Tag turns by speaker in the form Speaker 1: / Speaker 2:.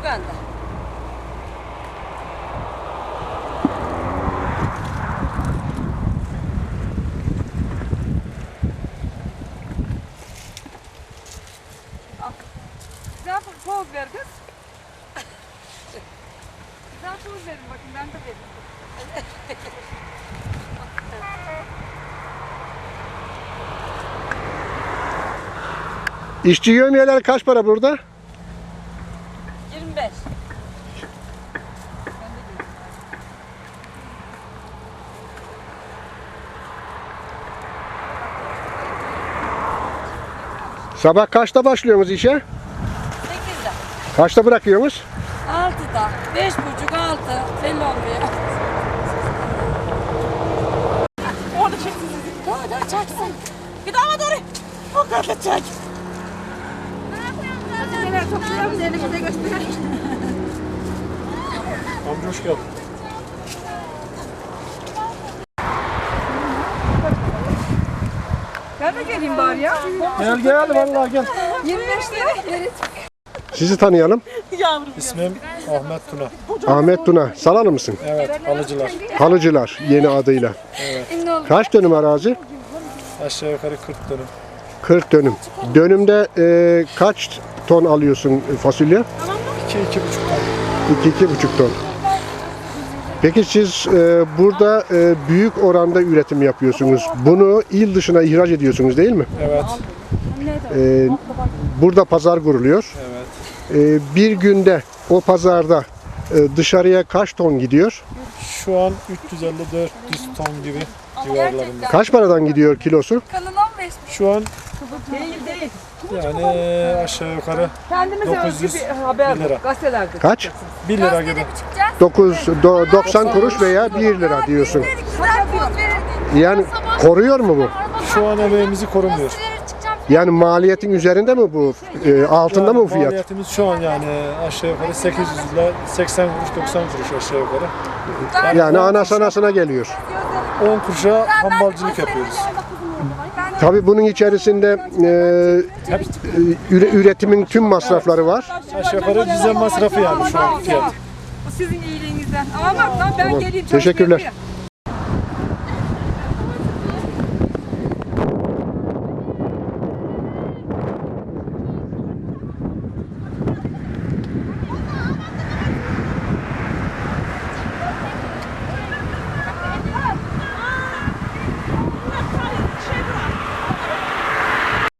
Speaker 1: bende.
Speaker 2: Güzel poz ver kız. Güzel poz verin bakın ben de vereyim.
Speaker 3: İşçi yevmiyeleri kaç para burada?
Speaker 1: 25.
Speaker 3: Sabah kaçta başlıyorsunuz işe?
Speaker 1: 8'de.
Speaker 3: Kaçta bırakıyorsunuz?
Speaker 1: 6'da. 5.30 6. Belli olmuyor. Orada çeksin. Daha çeksin. Git ama doğru. O kadar çek.
Speaker 2: Neler toplayalım seni bize göster.
Speaker 4: Amca hoş geldin.
Speaker 2: Ben de geleyim bari ya.
Speaker 4: Gel vallahi gel.
Speaker 2: 25 lira verin.
Speaker 3: Sizi tanıyalım.
Speaker 4: İsmim Ahmet Tuna.
Speaker 3: Ahmet Tuna. Salalı mısın?
Speaker 4: Evet, alıcılar.
Speaker 3: Halıcılar yeni adıyla. Kaç dönüm arazi?
Speaker 4: Aşağı yukarı 40 dönüm.
Speaker 3: 40 dönüm. Dönümde kaç ton alıyorsun fasulye?
Speaker 4: 2-2,5 ton.
Speaker 3: 2-2,5 ton. Peki siz burada büyük oranda üretim yapıyorsunuz. Bunu il dışına ihraç ediyorsunuz değil mi?
Speaker 4: Evet,
Speaker 3: Burada pazar kuruluyor.
Speaker 4: evet.
Speaker 3: Bir günde o pazarda dışarıya kaç ton gidiyor?
Speaker 4: Şu an 350-400 ton gibi civarlarında.
Speaker 3: Kaç paradan gidiyor kilosu?
Speaker 2: Kanın 15.
Speaker 4: Şu an
Speaker 2: Değil.
Speaker 4: yani aşağı yukarı
Speaker 2: Kendimize özgü
Speaker 4: 900
Speaker 2: bir haber
Speaker 4: lira.
Speaker 2: gazetelerde.
Speaker 3: Kaç?
Speaker 4: 1 lira gibi.
Speaker 3: 90 kuruş veya 1 lira diyorsun.
Speaker 2: Güzel poz verin.
Speaker 3: Yani koruyor mu bu?
Speaker 4: Şu an emeğimizi korumuyor.
Speaker 3: Yani maliyetin üzerinde mi bu? Altında mı bu fiyat?
Speaker 4: Maliyetimiz şu an yani aşağı yukarı 800 ile 80 kuruş 90 kuruş aşağı yukarı.
Speaker 3: Yani anasına geliyor.
Speaker 4: 10 kuruşa hambalcılık yapıyoruz.
Speaker 3: Tabii bunun içerisinde üretimin tüm masrafları var.
Speaker 4: Aşağı yukarı dizel masrafı yani şu an fiyat.
Speaker 2: Bu sizin iyiliğinizden. Ama bak lan ben geleyim.
Speaker 3: Teşekkürler.
Speaker 2: çalışmaya.